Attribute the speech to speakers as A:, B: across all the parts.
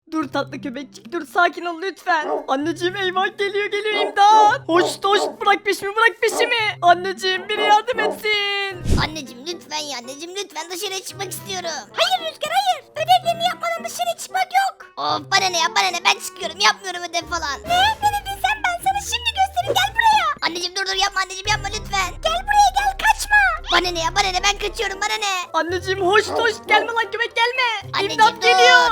A: Dur tatlı köpekçik dur, sakin ol lütfen. Anneciğim eyvah, geliyor imdat. Hoş bırak peşimi, bırak peşimi. Anneciğim biri yardım etsin.
B: Anneciğim lütfen ya anneciğim lütfen dışarıya çıkmak istiyorum. Hayır Rüzgar hayır. Ödevlerini yapmadan dışarı çıkmak yok. Of bana ne ya bana ne, ben çıkıyorum, yapmıyorum ödev falan. Ne dedin sen, ben sana şimdi göstereyim, gel buraya. Anneciğim dur yapma anneciğim, yapma lütfen. Gel buraya gel, kaçma. Bana ne ya bana ne, ben kaçıyorum, bana ne.
A: Anneciğim hoş gelme lan köpek, gelme.
B: Anneciğim,
A: İmdat
B: dur.
A: geliyor.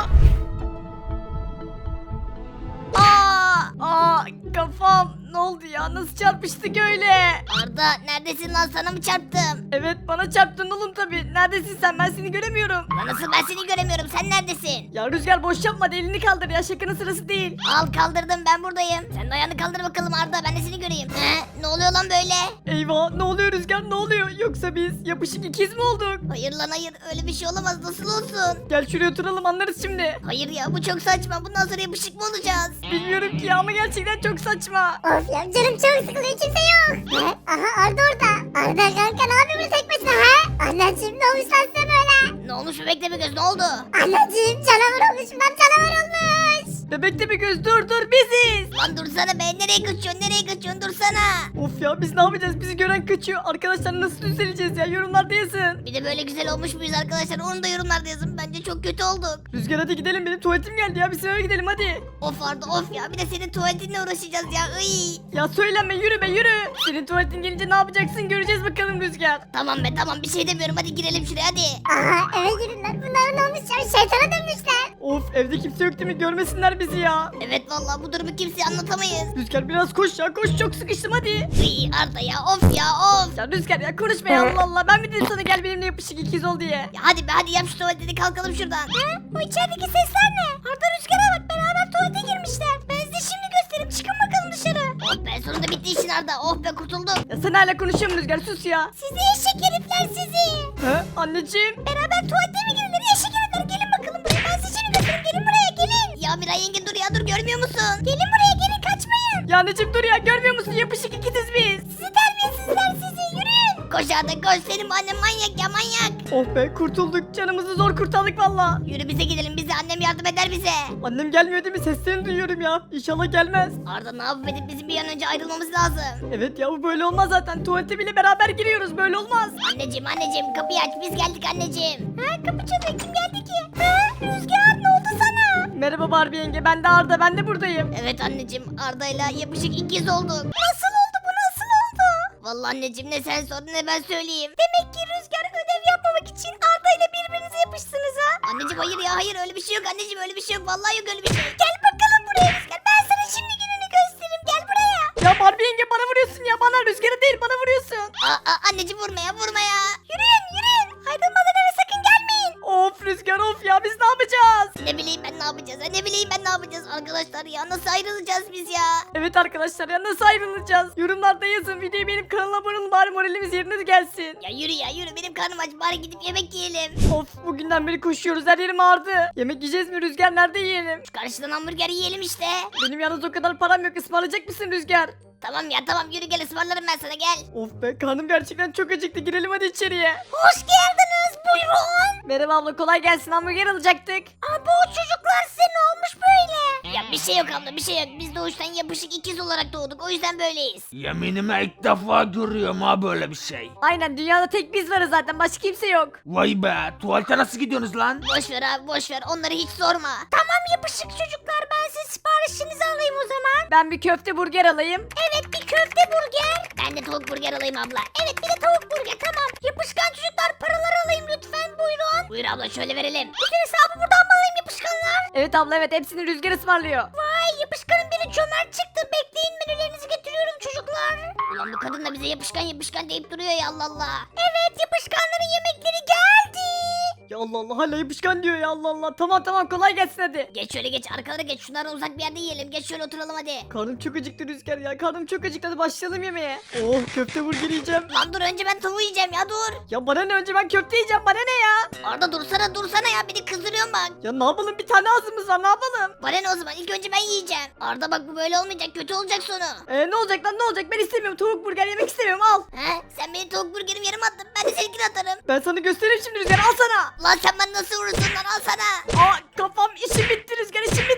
A: Aa kafam, ne oldu ya, nasıl çarpıştık öyle?
B: Arda neredesin lan, sana mı çarptım?
A: Evet bana çarptın oğlum tabi. Neredesin sen, ben seni göremiyorum.
B: Lan nasıl, ben seni göremiyorum, sen neredesin?
A: Ya Rüzgar boş yapma, elini kaldır ya, şakanın sırası değil.
B: Al kaldırdım, ben buradayım. Sen de ayağını kaldır bakalım Arda, ben de seni göreyim. Ne oluyor lan böyle?
A: Eyvah, ne oluyor Rüzgar, ne oluyor? Yoksa biz yapışık ikiz mi olduk?
B: Hayır lan hayır, öyle bir şey olamaz, nasıl olsun?
A: Gel şuraya oturalım, anlarız şimdi.
B: Hayır ya, bu çok saçma, bundan sonra yapışık mı olacağız?
A: Bilmiyorum ki ya, ama gerçekten çok saçma.
C: Of ya canım çok sıkılıyor, kimse yok. Aha Arda orada. Arda kanka ne yapıyorsun tek başına ha? Anneciğim ne olmuş lan size böyle?
B: Ne olmuş bebek de göz, ne oldu?
C: Anneciğim canavar olmuş, ben canavar olmuş.
A: Bebek de bir göz, dur biziz.
B: Lan dursana be, nereye kaçıyorsun dursana.
A: Of ya, biz ne yapacağız, bizi gören kaçıyor. Arkadaşlar nasıl düzeleceğiz ya, yorumlarda yazın.
B: Bir de böyle güzel olmuş muyuz arkadaşlar, onu da yorumlarda yazın, bence çok kötü olduk.
A: Rüzgar hadi gidelim, benim tuvaletim geldi ya, biz eve gidelim hadi.
B: Of Arda of ya, bir de senin tuvaletinle uğraşacağız ya, iy.
A: Ya söyleme, yürü be yürü. Senin tuvaletin gelince ne yapacaksın, göreceğiz bakalım Rüzgar.
B: Tamam be tamam, bir şey demiyorum, hadi girelim şuraya hadi.
C: Aha eve girin lan, bunlar ne olmuş ya, şeytana dönmüşler.
A: Of, evde kimse yok değil mi, görmesinler bizi ya.
B: Evet vallahi bu durumu kimseye anlatamayız.
A: Rüzgar biraz koş ya, koş, çok sıkıştım hadi.
B: Iy Arda ya, of ya of.
A: Ya Rüzgar ya, konuşma ya, Allah Allah, ben mi dedim sana gel benimle yapışık ikiz ol diye.
B: Ya hadi be hadi, yap şu tuvaletini, kalkalım şuradan. Bu içerideki sesler ne? Arda Rüzgar'a bak, beraber tuvalete girmişler. Ben size şimdi göstereyim, çıkın bakalım dışarı. Oh be, sonunda bitti işin Arda, oh be kurtuldum.
A: Ya sen hala konuşuyor musun Rüzgar, sus ya.
B: Sizi eşek herifler sizi.
A: He anneciğim.
B: Beraber tuvalete mi girilir, eşek herifler, gelin bakalım buraya, ben size şimdi göstereyim, gelin buraya gelin. Ya Miray yenge dur ya, dur görmüyor musun? Gelin buraya gelin, kaçmayın.
A: Ya anneciğim dur ya, görmüyor musun, yapışık ikiziz biz.
B: Sizi terbiyesizler sizi, yürüyün. Koş Arda koş, senin bu annen manyak ya manyak.
A: Oh be, kurtulduk, canımızı zor kurtardık valla.
B: Yürü bize gidelim, bize annem yardım eder bize.
A: Annem gelmiyor değil mi, seslerini duyuyorum ya. İnşallah gelmez.
B: Arda ne yapıp edip bizim bir an önce ayrılmamız lazım.
A: Evet ya, bu böyle olmaz zaten, tuvalete bile beraber giriyoruz, böyle olmaz.
B: Anneciğim kapıyı aç, biz geldik anneciğim. Kapı çalıyor, kim geldi ki? Rüzgar ne oldu sana?
A: Merhaba Barbie yenge, ben de Arda, ben de buradayım.
B: Evet anneciğim, Arda'yla yapışık ikiz olduk. Nasıl oldu bu, nasıl oldu? Vallahi anneciğim, ne sen sor ne ben söyleyeyim. Demek ki Rüzgar ödev yapmamak için Arda ile birbirinize yapıştınız ha? Anneciğim hayır ya hayır, öyle bir şey yok anneciğim, öyle bir şey yok, vallahi yok öyle bir şey. Gel bakalım buraya Rüzgar, ben sana şimdi gününü gösteririm, gel buraya.
A: Ya Barbie yenge, bana vuruyorsun ya, bana, Rüzgar'a değil bana vuruyorsun.
B: Anneciğim vurma ya. Yürüyün. Aydınmadan eve sakın gelmeyin.
A: Of Rüzgar, of ya, biz ne yapacağız?
B: Ne bileyim ben ne yapacağız arkadaşlar ya, nasıl ayrılacağız biz ya?
A: Evet arkadaşlar ya, nasıl ayrılacağız? Yorumlarda yazın, videoyu benim kanalıma abone olun, bari moralimiz yerine gelsin.
B: Ya yürü benim karnım aç, bari gidip yemek yiyelim.
A: Of, bugünden beri koşuyoruz, her yerim ağrıdı. Yemek yiyeceğiz mi Rüzgar, nerede yiyelim?
B: Şu karşıdan hamburger yiyelim işte.
A: Benim yalnız o kadar param yok, ısmarlayacak mısın Rüzgar?
B: Tamam yürü gel, ısmarlarım ben sana, gel.
A: Of be, karnım gerçekten çok acıktı, girelim hadi içeriye.
B: Hoş geldiniz, buyurun.
A: Merhaba abla, kolay gelsin, hamburger alacaktık.
B: Bu çocuklar size ne olmuş böyle? Ya bir şey yok abla, bir şey yok, biz doğuştan yapışık ikiz olarak doğduk, o yüzden böyleyiz.
D: Yeminime ilk defa görüyorum ha böyle bir şey.
A: Aynen, dünyada tek biz varız zaten, başka kimse yok.
D: Vay be, tuvalete nasıl gidiyorsunuz lan?
B: Boş ver abi, boş ver, onları hiç sorma. Tamam yapışık çocuklar, ben size siparişinizi alayım o zaman.
A: Ben bir köfte burger alayım.
B: Evet, bir köfte burger. Ben de tavuk burger alayım abla. Evet, bir de tavuk burger, tamam. Yapışkan çocuklar, paraları alayım lütfen, buyurun. Buyur abla, şöyle verelim. Bütün hesabı buradan mı alayım yapışkanlar?
A: Evet abla, evet, hepsini Rüzgar ısmarlıyor.
B: Vay, yapışkanın biri cömert çıktı. Bekleyin, menülerinizi getiriyorum çocuklar. Ulan bu kadın da bize yapışkan deyip duruyor ya, Allah Allah. Evet, yapışkanların yemekleri geldi.
A: Ya Allah Allah, hala yapışkan diyor ya, Allah Allah. Tamam kolay gelsin hadi.
B: Geç şöyle geç, arkalara geç, şunlardan uzak bir yerde yiyelim. Geç şöyle oturalım hadi.
A: Karnım çok acıktı Rüzgar ya, karnım çok acıktı, hadi başlayalım yemeğe. Oh, köfte burger yiyeceğim.
B: Lan dur, önce ben tavuğu yiyeceğim ya, dur.
A: Ya bana ne, önce ben köfte yiyeceğim, bana ne ya?
B: Arda dursana ya, beni kızdırıyorsun bak.
A: Ya ne yapalım, bir tane ağzımız var, ne yapalım?
B: Bana ne o zaman, ilk önce ben yiyeceğim. Arda bak, bu böyle olmayacak, kötü olacak sonu.
A: Ne olacak lan, ne olacak, ben istemiyorum, tavuk burger yemek istemiyorum, al.
B: Sen beni tavuk burgerim yarım attın, ben de seninkini atarım.
A: Ben sana göstereyim şimdi Rüzgar, al sana.
B: Lan sen bana nasıl vurursun lan, al sana.
A: Aa kafam, işim bitti Rüzgar, işim bitti.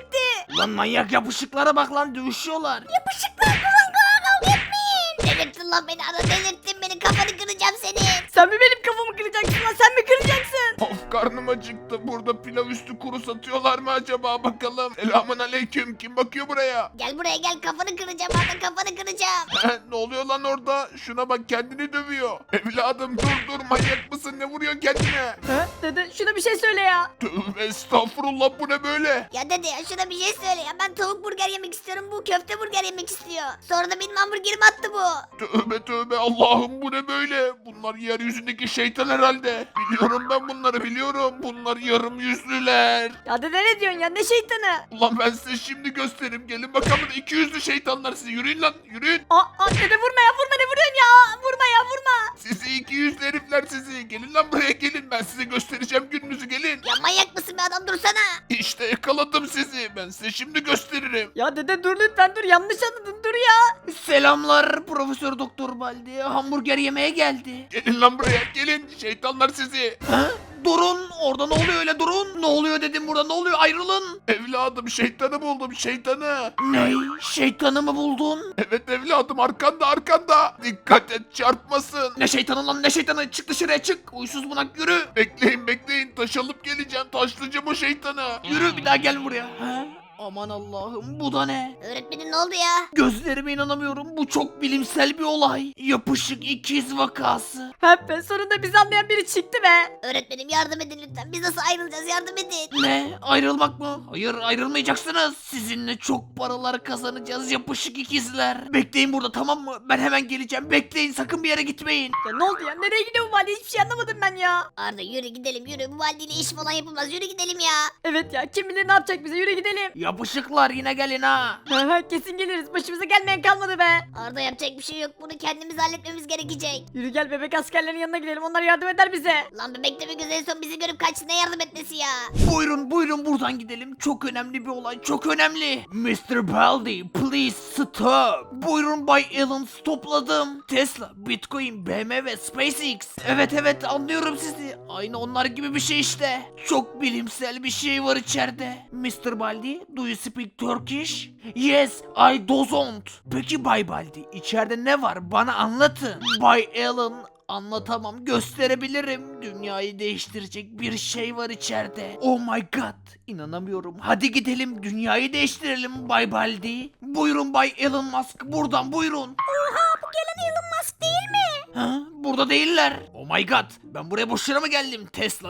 D: Lan manyak yapışıklara bak lan dövüşüyorlar.
B: Yapışıklar durun kavga etmeyin. Delirttin lan beni Arda, delirttin beni, kafanı kıracağım senin.
A: Sen mi benim kafamı kıracaksın lan, sen mi kıracaksın?
E: Of karnım acıktı. Burada pilav üstü kuru satıyorlar mı acaba bakalım. Selamun aleyküm. Kim bakıyor buraya?
B: Gel buraya gel, kafanı kıracağım Arda, kafanı kıracağım.
E: Ne oluyor lan orada? Şuna bak kendini dövüyor. Evladım dur manyak mısın? Ne vuruyorsun kendine?
A: Ha? Dede şuna bir şey söyle ya.
E: Tövbe estağfurullah bu ne böyle?
B: Ya dede ya şuna bir şey söyle ya, ben tavuk burger yemek istiyorum, bu köfte burger yemek istiyor. Sonra da benim hamburgerimi attı bu.
E: Tövbe Allah'ım bu ne böyle? Bunlar yeryüzündeki şeytan herhalde. Biliyorum ben bunları biliyorum. Bunlar yarım yüzlüler.
A: Ya dede ne diyorsun ya, ne şeytanı?
E: Ulan ben size şimdi göstereyim. Gelin bakalım 200'lü şeytanlar sizi. Yürüyün lan yürüyün.
A: Dede vurma ya, vurma, ne vuruyorsun ya? Vurma ya, vurma.
E: Sizi 200'lü herifler sizi. Gelin lan buraya gelin. Ben size göstereceğim gününüzü gelin.
B: Ya manyak mısın be adam, dursana.
E: İşte yakaladım sizi. Ben size şimdi gösteririm.
A: Ya dede dur lütfen, dur, yanlış anladın, dur ya.
D: Selamlar Profesör Doktor Baldi. Hamburger yemeye geldi.
E: Gelin lan buraya gelin. Şeytanlar sizi.
D: Ha? Durun orada, ne oluyor öyle, durun. Ne oluyor dedim, burada ne oluyor, ayrılın.
E: Evladım şeytanı buldum şeytanı.
D: Ne? Şeytanı mı buldun?
E: Evet evladım arkanda. Dikkat et çarpmasın.
D: Ne şeytanı lan, ne şeytanı, çık dışarıya çık. Uysuz bunak yürü.
E: Bekleyin taş alıp geleceğim. Taşlıcı bu şeytanı.
D: Yürü bir daha gel buraya. Ha? Aman Allah'ım, bu da ne?
B: Öğretmenim ne oldu ya?
D: Gözlerime inanamıyorum, bu çok bilimsel bir olay. Yapışık ikiz vakası.
A: Hep be, sonunda bizi anlayan biri çıktı be.
B: Öğretmenim yardım edin lütfen, biz nasıl ayrılacağız, yardım edin.
D: Ne? Ayrılmak mı? Hayır, ayrılmayacaksınız. Sizinle çok paralar kazanacağız yapışık ikizler. Bekleyin burada, tamam mı? Ben hemen geleceğim. Bekleyin, sakın bir yere gitmeyin.
A: Ya ne oldu ya, nereye gidiyor bu vali, hiçbir şey anlamadım ben ya.
B: Arda yürü gidelim, yürü, bu valideyle iş falan yapılmaz, yürü gidelim ya.
A: Evet ya, kim bilir ne yapacak bize, yürü gidelim.
D: Yapışıklar yine gelin ha.
A: Kesin geliriz, başımıza gelmeyen kalmadı be.
B: Arda yapacak bir şey yok, bunu kendimiz halletmemiz gerekecek.
A: Yürü gel, bebek askerlerin yanına gidelim, onlar yardım eder bize.
B: Lan bebek de bir göz en son bizi görüp kaçtı, ne yardım etmesi ya.
D: Buyurun buradan gidelim. Çok önemli bir olay, çok önemli. Mr. Baldi, please stop. Buyurun Bay Alan, stopladım. Tesla, Bitcoin, BMW, SpaceX. Evet anlıyorum sizi. Aynı onlar gibi bir şey işte. Çok bilimsel bir şey var içeride. Mr. Baldi, do you speak Turkish? Yes, I don't. Peki Bay Baldi, içeride ne var? Bana anlatın. Bay Alan, anlatamam, gösterebilirim. Dünyayı değiştirecek bir şey var içeride. Oh my god, inanamıyorum. Hadi gidelim, dünyayı değiştirelim Bay Baldi. Buyurun Bay Elon Musk, buradan buyurun.
B: Oha, bu gelen Elon Musk değil mi?
D: Ha? Burada değiller. Oh my god, ben buraya boşuna mı geldim?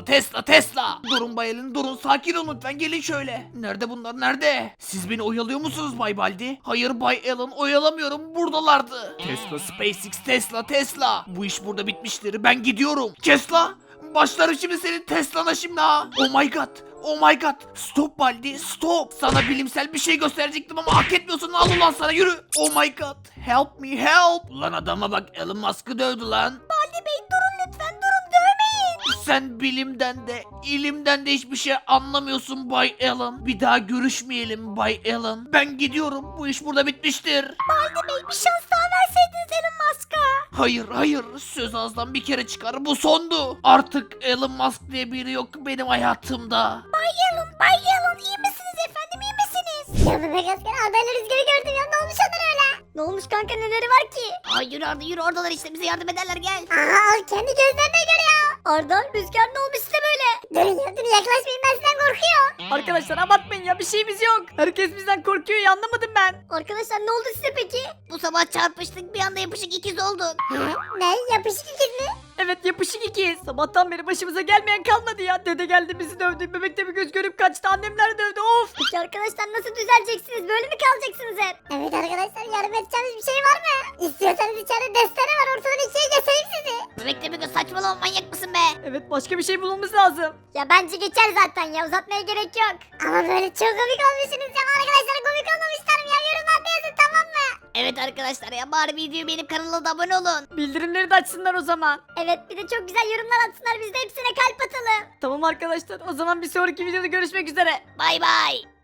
D: Tesla. Durun Bay Elon, durun, sakin olun lütfen, gelin şöyle. Nerede bunlar, nerede? Siz beni oyalıyor musunuz Bay Baldi? Hayır Bay Elon, oyalamıyorum, buradalardı. Tesla, SpaceX, Tesla. Bu iş burada bitmiştir, ben gidiyorum. Tesla, başlarım şimdi senin Tesla'na şimdi ha. Oh my god. Stop Baldi, stop. Sana bilimsel bir şey gösterecektim ama hak etmiyorsun. Al ulan sana, yürü. Oh my god. Help me, help. Lan adama bak, Elon Musk'ı dövdü lan.
B: Baldi Bey durun lütfen, durun, dövmeyin.
D: Sen bilimden de ilimden de hiçbir şey anlamıyorsun Bay Alan. Bir daha görüşmeyelim Bay Alan. Ben gidiyorum. Bu iş burada bitmiştir.
B: Baldi Bey bir şans daha verseydiniz Elon Musk'a.
D: Hayır. Söz ağızdan bir kere çıkar. Bu sondu. Artık Elon Musk diye biri yok benim hayatımda.
B: Bay Elon iyi misiniz efendim, iyi misiniz?
C: Ya bebek asker Arda ile Rüzgar'ı gördüm ya. Ne olmuş onlara öyle?
B: Ne olmuş kanka, neleri var ki? Ay yürü Arda yürü, oradalar işte, bize yardım ederler, gel.
C: Aha al kendi gözlerine göre ya.
B: Arda, Rüzgar ne olmuş size böyle?
C: Durun yaklaşmayın, ben sizden korkuyorum.
A: Arkadaşlar abartmayın ya, bir şeyimiz yok. Herkes bizden korkuyor ya, anlamadım ben.
B: Arkadaşlar ne oldu size peki? Bu sabah çarpıştık, bir anda yapışık ikiz olduk.
C: Ne yapışık ikiz mi?
A: Evet, yapışık ikiyiz. Sabahtan beri başımıza gelmeyen kalmadı ya. Dede geldi bizi dövdü, bebek de bir göz görüp kaçtı, annemler dövdü, of.
B: Peki arkadaşlar nasıl düzeleceksiniz, böyle mi kalacaksınız hep?
C: Evet arkadaşlar, yardım edeceğimiz bir şey var mı? İstiyorsanız içeride destere var, ortadan ikiye geçeyim sizi.
B: Bebek de bir göz, saçmalama, manyak mısın be?
A: Evet, başka bir şey bulmamız lazım.
C: Ya bence geçer zaten ya, uzatmaya gerek yok. Ama böyle çok komik olmuşsunuz ya, arkadaşlar komik olmamışlarım ya, yorumlarda yazın tamam mı?
B: Evet arkadaşlar ya, bari videoyu beğenip kanala da abone olun.
A: Bildirimleri de açsınlar o zaman.
C: Evet, bir de çok güzel yorumlar atsınlar, biz de hepsine kalp atalım.
A: Tamam arkadaşlar, o zaman bir sonraki videoda görüşmek üzere.
B: Bay bay.